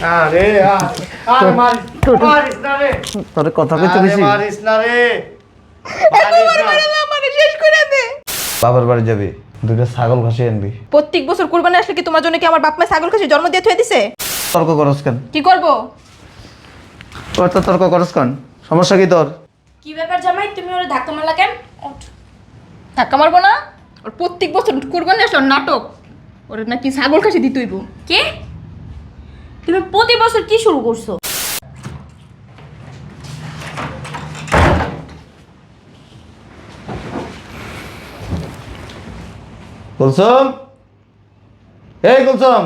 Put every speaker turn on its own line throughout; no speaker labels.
আরে আরে মারিস না রে।
তোর কথা কইতে বেশি
মারিস না রে।
আমারে শেষ করে দে।
বাবার বাড়ি যাবি, দুইটা ছাগল খাসি আনবি।
প্রত্যেক বছর কুরবানি আসলে কি তোমার জন্য কি আমার বাপ মা ছাগল খাসি জন্ম দিয়ে থুয়ে দিছে?
তর্ক করস কেন?
কি করব?
তোর তো তর্ক করস কেন? সমস্যা কি তোর?
কি ব্যাপার জামাই, তুমি ওরে ধাক্কা মারলা কেন?
ধাক্কা মারবো না? ওর প্রত্যেক বছর কুরবানি আসলে ওর নাটক, ওর নাকি ছাগল খাসি দিতে হইব।
কে? তুমি প্রতি বছর কি শুরু করছো?
কুলসুম, এই কুলসুম,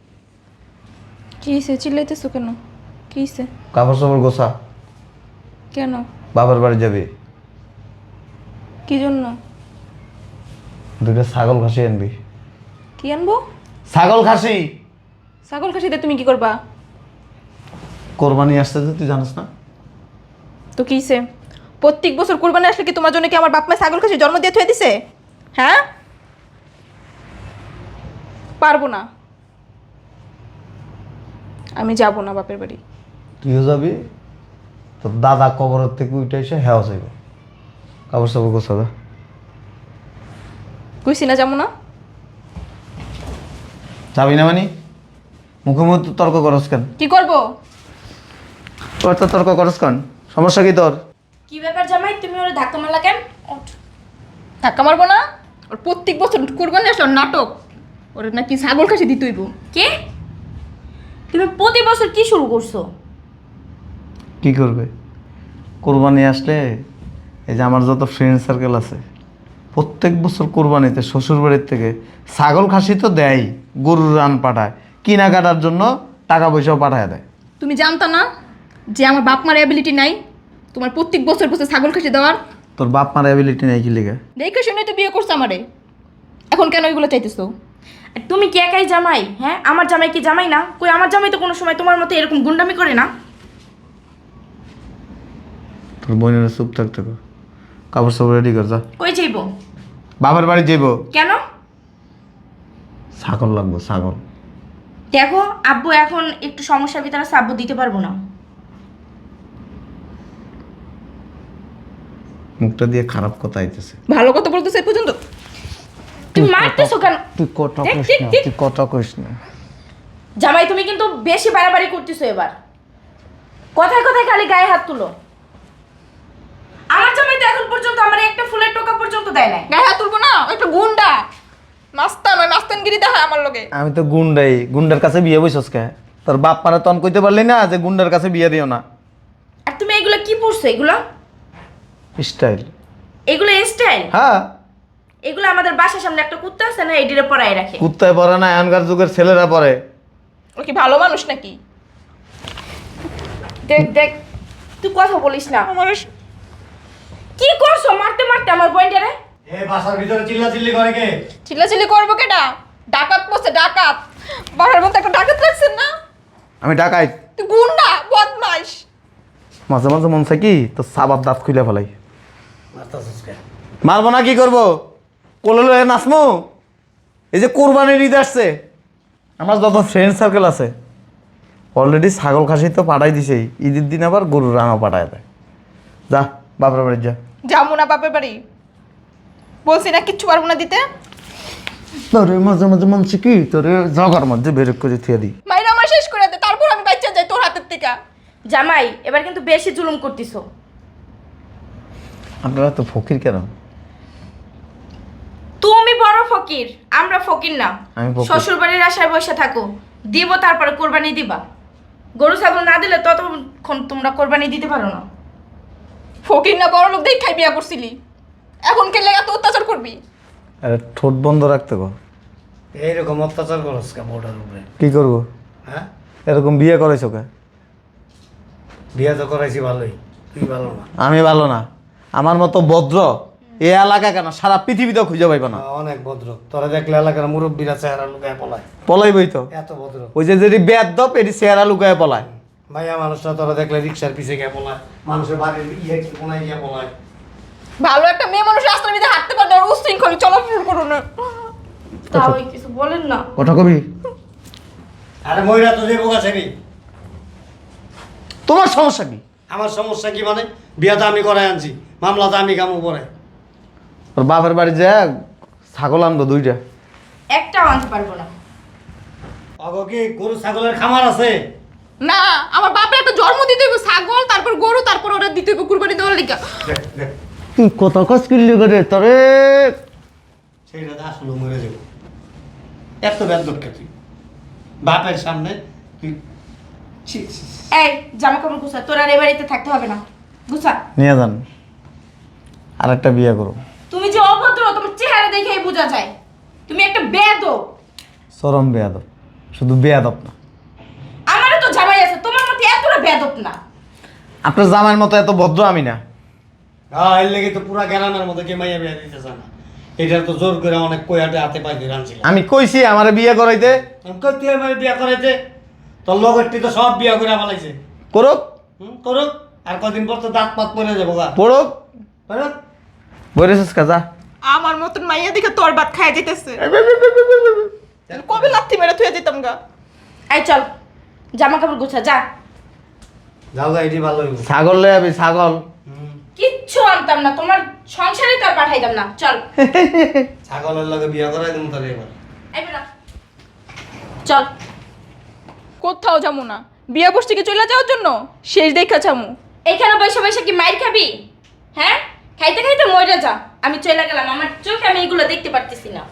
কি হইছে? চিল্লাইতেছো কেন? কি হইছে?
কাপড় চাপড় গোছা,
কেন?
বাবার বাড়ি যাবি।
কি জন্য?
দুইটা ছাগল খাসি আনবি।
কি আনবো?
ছাগল খাসি।
ছাগল খাসিতে তুমি কি করবা?
কোরবানি আসছে যে, তুই জানিস না?
তো কি হইছে? প্রত্যেক বছর কুরবানি আসলে কি তোমার জন্য কি আমার বাপ মা ছাগল খাসি জন্ম দিয়ে থুয়ে দিছে? হ্যাঁ, পারবো না, আমি যাব না বাপের বাড়ি।
তুইও যাবি, তোর দাদা কবরের থেকে উঠে এসে হেওয়া চাইব। কাপড় চাপড় গোছা যা।
কইছি না যাবো না?
যাবি না মানে? মুখে মুখে তো তর্ক করস কেন?
কি করব?
তোর তো তর্ক করস কেন? সমস্যা কি তোর?
কি ব্যাপার জামাই, তুমি ওরে ধাক্কা মারলা কেন?
ধাক্কা মারবো না? ওর প্রত্যেক বছর কুরবানি আসলে ওর নাটক, ওর নাকি ছাগল খাসি দিতে হইব।
কে? তুমি প্রতি বছর কি শুরু করছো?
কি করবে? কোরবানি আসলে এই যে আমার যত ফ্রেন্ড সার্কেল আছে, প্রত্যেক বছর কোরবানিতে শ্বশুর বাড়ির থেকে ছাগল খাসি তো দেয়, গরুর রান পাঠায়, কেনাকাটার জন্য টাকা পয়সাও পাঠায় দেয়।
তুমি জানতা না যে আমার বাপ মার অ্যাবিলিটি নাই তোমার প্রত্যেক বছর বছর ছাগল খাসি দেওয়ার?
তোর বাপ মার অ্যাবিলিটি নেই কি লিগা?
দেখে শুনে তো বিয়ে করছে আমারে, এখন কেন এগুলো চাইতেছো?
আর তুমি কি একাই জামাই? হ্যাঁ, আমার জামাই কি জামাই না? কই, আমার জামাই তো কোনো সময় তোমার মতো এরকম গুন্ডামি করে না।
তোর বোনের চুপ থাকতে কর, কাপড় সাপড় রেডি কর যা।
কই যাইবো?
বাবার বাড়ি যাইব।
কেন?
ছাগল লাগবো, ছাগল।
দেখো আব্বু এখন একটু সমস্যার ভিতরে আছে, আব্বু দিতে পারবো না।
মুখটা দিয়ে খারাপ কথা আইতেছে।
ভালো কথা বলতেছে এই পর্যন্ত?
তুমি মারতেছো কেন?
তুই কথা
দেখ,
কইস
দেখ,
না,
দেখ।
তুই কথা কইস না।
জামাই তুমি কিন্তু বেশি বাড়াবাড়ি করতেছো এবার। কথায় কথায় খালি গায়ে হাত তুলো। আমার জামাই তো এখন পর্যন্ত আমার একটা ফুলের টোকা পর্যন্ত দেয় নাই।
গায়ে হাত তুলবো না? ও একটা গুন্ডা, নাস্তা নয় নাস্তানগিরি দেখায় আমার লগে।
আমি তো গুন্ডাই, গুন্ডার কাছে বিয়ে বইছস কে? তোর বাপ মারা তন কইতে পারলি না যে গুন্ডার কাছে বিয়ে দিও না?
আর তুমি এগুলো কি পড়ছো? এগুলো
স্টাইল।
এগুলো স্টাইল?
হ্যাঁ,
এগুলো আমাদের বাসার সামনে একটা কুত্তা আছে না, এডিরে পরায় রাখে।
কুত্তায় পরে না, এখনকার যুগের ছেলেরা পরে।
ও কি ভালো মানুষ নাকি?
দেখ দেখ, তুই কথা বলিস না।
আমার
কি করছো মারতে মারতে আমার বইন্ডারে?
এ বাসার ভিতরে চিল্লাচিল্লি করে কে?
চিল্লাচিল্লি করবো কেটা? ডাকাত পড়ছে, ডাকাত। বাবার মধ্যে একটা ডাকাত রাখছেন না?
আমি ঢাকাই।
তুই গুন্ডা, বদমাইশ।
মাঝে মাঝে মন চাই কি তো সাবাব দাঁত খুলে ফেলাই।
মারতাছিস কে?
মারবো না কি করবো? কোলে লয়ে নাচমু? এই যে কোরবানির ঈদ আসছে, আমার যত ফ্রেন্ড সার্কেল আছে অলরেডি ছাগল খাসি তো পাঠাই দিছেই, ঈদের দিন আবার গরুর রানও পাঠায় দেয়। যা বাপের বাড়ি যা।
যাবো না বাপের বাড়ি, বলছি না কিচ্ছু পারবো না দিতে।
তোরে মাঝে মাঝে মন চাই কি তোরে জগার মধ্যে বের করে থিয়ে দিই।
মাইরা আমার শেষ করে দে, তারপর আমি বাচ্চা যাই তোর হাতের থেকে।
জামাই এবার কিন্তু বেশি জুলুম করতেছো।
আপনারা তো ফকির কেন?
তুমি বড় ফকির, আমরা ফকির না।
আমি ফকির।
শ্বশুর বাড়ির আশায় বসে থাকো, দিব তারপরে কোরবানি দিবা। গরু ছাগল না দিলে ততক্ষণ তোমরা কোরবানি দিতে পারো না।
ফকির না বড় লোক দেখাই বিয়া করছিলি, এখন কে লেগে তো অত্যাচার করবি?
আরে ঠোঁট বন্ধ রাখতে কর।
এইরকম অত্যাচার করস কে বউটার উপরে?
কি করবো?
হ্যাঁ,
এরকম বিয়ে করেছো কে?
বিয়ে তো করাইছি ভালোই, তুই ভালো না।
আমি ভালো না? আমার মতো ভদ্র এ এলাকা কেন সারা পৃথিবীতেও খুঁজে পাইব না।
অনেক ভদ্র, তোরা দেখলে এলাকার মুরব্বীরা চেহারা লুকায় পলায়।
পলাইবই তো।
এত ভদ্র
ওই যে যদি বেয়াদব এটি চেহারা লুকায় পলায়।
ভাইয়া মানুষটা তোরা দেখলে রিক্সার পিছে গিয়ে পলায়, মানুষের বাড়ির ইয়ে কোনায় গিয়ে পলায়।
ভালো একটা মেয়ে মানুষ রাস্তার ভিতরে হাঁটতে পারে না, আর উশৃঙ্খল চলাফেরা করো না।
তাও কিছু বলেন না।
কথা কবি?
আরে ময়রা তো যাবো গাছে রে।
তোমার সমস্যা কি?
আমার সমস্যা কি মানে? বিয়া তো আমি করাই আনছি, মামলা তো আমি কামু পরে।
ওর বাপের বাড়ি যা ছাগল আনবো 2টা।
একটাও আনতে পারবো না।
অগো কি গরু ছাগলের খামার আছে?
না, আমার বাপের একটা জন্ম দিতে হইব ছাগল, তারপর গরু, তারপর ওরা দিতে হইব কুরবানি দেওয়ার লিগা।
দেখ দেখ,
তুই কত কাজ করলি করে তরে।
সেইটা তো আসলে মরে যাবো। এত বেদব কে তুই বাপের সামনে? তুই ছি, ছি, ছি।
এই জামা কাপড় গুছা, তোর আর এ বাড়িতে থাকতে হবে না, গুছা।
নিয়ে যান, আর একটা বিয়ে করো।
তুমি যে অভদ্র, তোমার চেহারা দেখেই বোঝা যায় তুমি একটা বেয়াদব।
চরম বেয়াদব, শুধু বেয়াদব না,
আমারও তো জামাই আছে, তোমার মতো এতটা বেয়াদব না।
আপনার জামাইয়ের মতো এত ভদ্র আমি না।
এর লেগে তো পুরা গ্রামের মধ্যে কে মাইয়া বিয়া দিতেছে না। এটা তো জোর করে অনেক কয়াটে হাতে পাই ধরে আনছিলাম।
আমি কইছি আমারে বিয়ে করাইতে,
করতে আমার বিয়া করাইতে, তোর লগরটি তো সব বিয়া করে ফেলাইছে।
করুক
করুক, আর কদিন পর তো দাঁত পাত পরে যাবো গা।
পড়ুক।
করুক।
বলেছিস কাজা
আমার মতন মাইয়া দেখে তোর ভাত খায় যাইতেছে। কবে লাথি মেরে থুয়ে যেতাম গা।
এই চল, জামা কাপড় গুছা, যা।
যাও গা, এটি ভালো হইব।
ছাগল লয়ে আবি, ছাগল।
কিচ্ছু আনতাম না, তোমার সংসারে তো আর পাঠাইতাম না। চল,
ছাগলের লগে বিয়া করাই দেবো তাহলে এবার।
এই বেটা, চল।
কোথাও যামু না, বিয়া বসতে কি চলে যাওয়ার জন্য? শেষ দেখা যামু।
এইখানে বসে বসে কি মাইর খাবি? হ্যাঁ, খাইতে খাইতে মরে যা। আমি চলে গেলাম, আমার চোখে আমি এগুলো দেখতে পারতেছি না।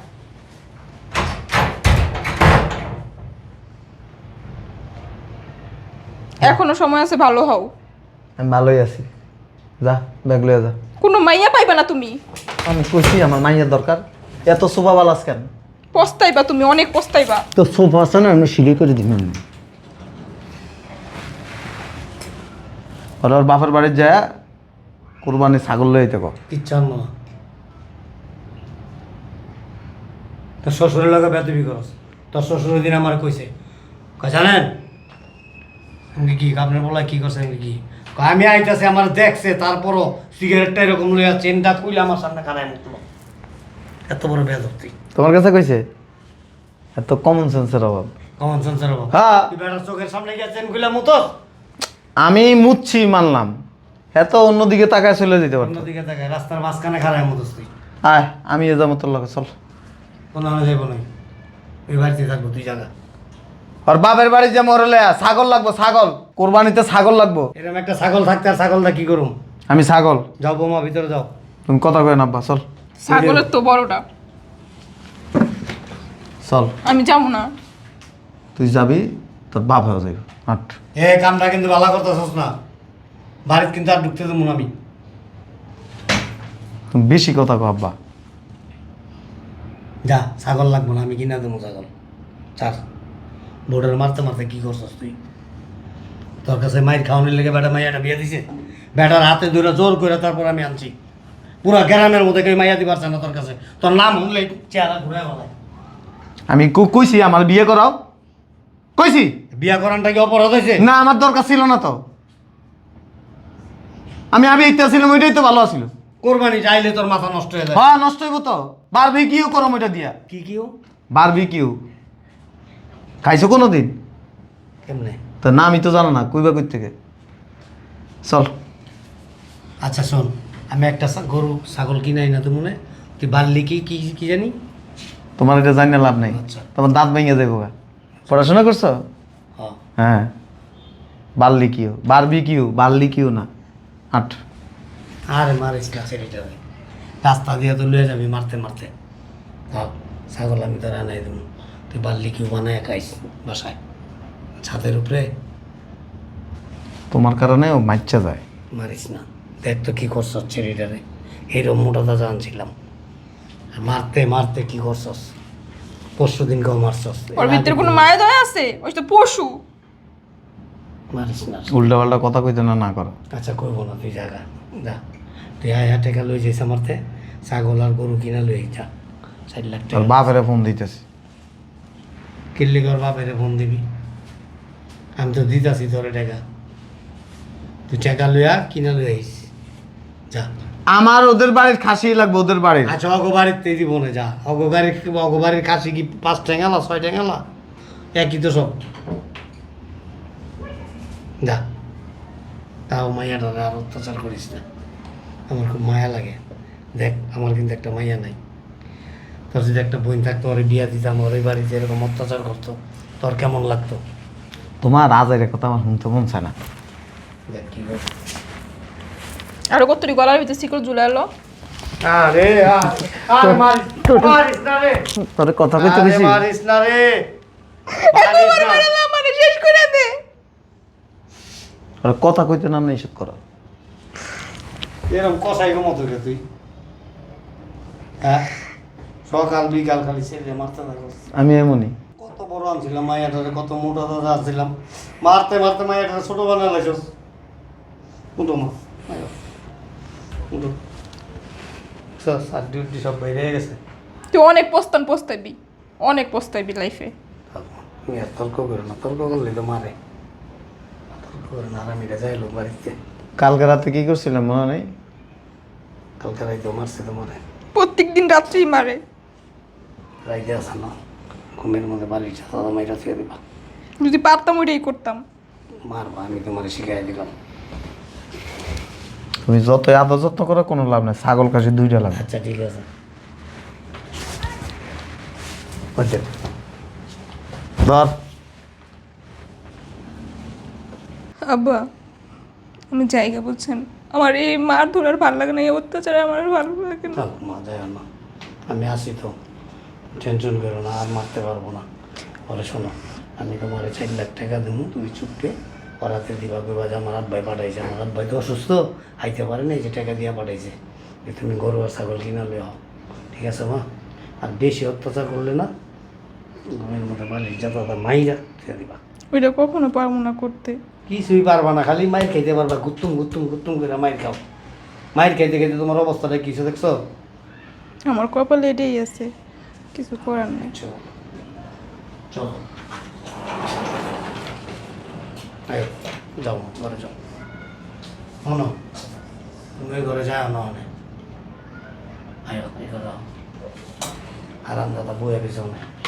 এখনো সময় আছে, ভালো হও।
আমি ভালোই আছি, যা ব্যাগ লয়ে যা।
কোনো মাইয়া পাইবা না তুমি।
আমি কইছি আমার মাইয়ের দরকার, এত সোফা বালাস কেন?
পস্তাইবা তুমি, অনেক পস্তাইবা।
তো সোফা আছে না, আমি সিঁড়ি করে দিবেন। ওর বাপের বাড়ির যায় কোরবানি ছাগল লয়ে যেতে কো।
কিচ্ছু আনবো না। তোর শ্বশুরের লগে বেদবি করস। তোর শ্বশুরের দিন আমার কইছে, কয় জানেন আমি কি আপনার বলা কি করছে? আমি কি কয়, আমি আইতাছে আমার দেখছে, তারপরও সিগারেটটা এরকম লইয়া চেনটা খুইলে আমার সামনে খারায় মুখলো। এত বড় বেদব তুই।
তোমার কাছে কইছে? এত কমন সেন্সের অভাব।
কমন সেন্সের অভাব।
হ্যাঁ,
তুই বেটার চোখের সামনে গিয়ে চেন খুইলা মুতস।
আমি মুচ্ছি মানলাম, এত অন্যদিকে তাকায় চলে যেতে পারতো।
অন্যদিকে দেখায় রাস্তার মাঝখানে খারায় মুতস তুই।
আয় আমি এ যাবো তোর লগে, চল।
কোনো আনা যাইব নাই, ওই বাড়িতে থাকবো তুই জায়গা।
আর বাপের বাড়ি যে মরলে ছাগল লাগবো, ছাগল কোরবানিতে ছাগল লাগবো।
এরকম একটা ছাগল থাকতে আর ছাগলটা কি করুম?
আমি ছাগল।
যাও বৌমা, ভিতরে যাও।
তুমি কথা কয়ে নাব্বা, চল
ছাগলের তো বড়টা।
চল।
আমি যাবো না।
তুই যাবি, তোর বাপ হয়ে যাবে। হাট।
এ কামটা কিন্তু ভালো করতেছস না, বাড়িতে কিন্তু আর ঢুকতে দেবো না আমি।
তুমি বেশি কথা কো আব্বা।
যা, ছাগল লাগবো না, আমি কিনা দেবো ছাগল। চার বোর্ডের মারতে মারতে কি করছস তুই? তোর কাছে মায়ের খাওয়ানোর লেগে বেটা মাইয়াটা বিয়ে দিছে, বেটার হাতে ধরে জোর করে তারপর আমি আনছি। পুরা গ্রামের মধ্যে কেউ মাইয়া দিতে পারছে না তোর কাছে। তোর নাম শুনলে চেহারা ঘুরে বলায়।
আমি কইছি আমার বিয়ে করাও, কইছি
বিয়া করানটা কি অপরাধ হয়েছে?
না, আমার দরকার ছিল না তো। আমি ইচ্ছা ছিলাম, ওইটাই তো ভালো আছিল।
কোরবানি চাইলে তোর মাথা নষ্ট হয়ে যায়।
হ্যাঁ, নষ্ট হইব তো। বারবিকিউ করো ওইটা দিয়া।
কি কিও?
বারবিকিউ খাইছো কোনো দিন?
কেমনে?
তো না, আমি তো জানো না, কইবা কই থেকে। চল।
আচ্ছা শোন, আমি একটা গরু ছাগল কিনাই না তো মনে, তুই বাল্লি কি কি কি জানি?
তোমার এটা জানি না, লাভ নাই।
আচ্ছা।
তোমার দাঁত ভেঙে যাবো। পড়াশোনা করছো?
হ্যাঁ।
হ্যাঁ, বার্লিকিউ, বারবিকিউ, বার্লিকিউ না। আট।
আরে মারিস না ছেলেটারে, রাস্তা দিয়ে তো লয়ে যাবি মারতে মারতে। হ্যাঁ, ছাগল আমি তো রান্নাই দেবো, তুই বাল্লি কিউ বানায় খাইস বাসায় ছাদের উপরে।
তোমার কারণে ও মাইচ্ছা যায়।
মারিস না, দেখ তো কী করছস ছেলেটারে, এরম মোটা দাদা আনছিলাম, আর মারতে মারতে কী করছস, পরশু দিন কেউ মারছস।
ওর ভিতরে কোনো মায়া দয়া আছে? ওই তো পশু।
মারিস না।
উল্টা পাল্টা কথা কইতে না, না করো।
আচ্ছা করবো না, তুই জায়গা যা, তুই আয় টাকা লই যাইস আমারতে, ছাগল আর গরু কিনা লই যা, 4 লাখ
তোর
টাকা।
বাপেরে ফোন দিতেছি।
কিল্লি কর বাপেরে ফোন দিবি, আমি তো দিতাছি তোরে টাকা, তুই টাকা লইয়া কিনা লই আইস যা।
আমার ওদের বাড়ির খাসি লাগবে, ওদের বাড়ির।
আচ্ছা অগবাড়িতে দিব না, যা। অগবাড়ির কাছে কি 5 টেঙ্গালা 6 টেঙ্গালা একই তো সব, যা। তাও মাইয়াটারে আর অত্যাচার করিস না। আমার খুব মায়া লাগে। দেখ আমার কিন্তু একটা মাইয়া নাই। তোর যদি একটা বোন থাকতো, ওরে বিয়া দিতাম, ওর এই বাড়িতে এরকম অত্যাচার করতো, তোর কেমন লাগতো?
তোমার আজের কথা আমার শুনতে মন চায় না।
দেখ কি করে।
আরো কতটি গলার ভিতরে শিকল ঝুলে এলো।
আরে আরে মারিস না রে।
তোর কথা কইতে
আরে
বেশি
মারিস না রে। মারিস না।
আমারে শেষ করে দে।
তোর কথা কইতে নাম নিষেধ করা।
এরকম কষাই মতো রে তুই। হ্যাঁ, সকাল বিকাল খালি ছেলে মারতে থাকো।
আমি এমনই।
কত বড় আনছিলাম মাইয়াটারে, কত মোটা দাদা আনছিলাম, মারতে মারতে মাইয়াটারে ছোট বানা লাগছস। উঠো মা, উঠো। আর ডিউটি সব বাইরে গেছে।
তুই অনেক পস্তাবি অনেক পস্তাবি লাইফে।
তুমি আর তর্ক করো না, তর্ক করলে তো মারে। তর্ক করে না, আরামিরা যাই লোক বাড়িতে।
কালকে রাতে কি করছিলাম মনে নেই?
কালকে রাইতেও মারছে তো মারে।
প্রত্যেকদিন রাত্রেই মারে।
রাইতে আসা না, ঘুমের মধ্যে বাড়ির সাথে মাইরা ছুঁয়ে দিবা।
যদি পারতাম ওইটাই করতাম।
মারবা, আমি তোমার শিখাই দিলাম।
তুমি যতই আদর যত্ন করো কোনো লাভ নাই, ছাগল কাশি দুইটা লাগে।
আচ্ছা ঠিক আছে। বুঝছেন?
ধর
আব্বা আমি জায়গা বলছেন, আমার এই মার ধরার ভালো লাগে না, এই অত্যাচারে আমার আর ভালো লাগে না।
থাক মা, যায় না, আমি আসি তো, টেনশন করো না, আর মারতে পারবো না। বলে শোনো, আমি তোমার 4 লাখ টাকা দেবো, তুমি চুপকে পড়াতে দিবা। কইবা যে আমার আব্বাই পাঠাইছে, আমার আব্বাই তো অসুস্থ, আইতে পারে না, এই যে টাকা দিয়া পাঠাইছে, যে তুমি গরু আর ছাগল কিনা লেও। ঠিক আছে মা? আর বেশি অত্যাচার করলে না, ঘরের মধ্যে বাড়ির যাতা মাইরা দিয়ে দিবা।
ওইটা কখনো পারবো না করতে।
কিছুই পারবা না, খালি মাইর খাইতে পারবা, গুত্তুম গুত্তুম গুত্তুম করে মাইর খাও। মাইর খাইতে খাইতে তোমার অবস্থাটা কিছু দেখছো?
আমার কপালে এটাই আছে, কিছু করার নেই।
চলো চলো, আয়ো, যাও ঘরে যাও। শোনো, তুমি ঘরে যাও না অনেক। আয়ো এই ঘরে আরাম দাদা বইয়ে পিছনে।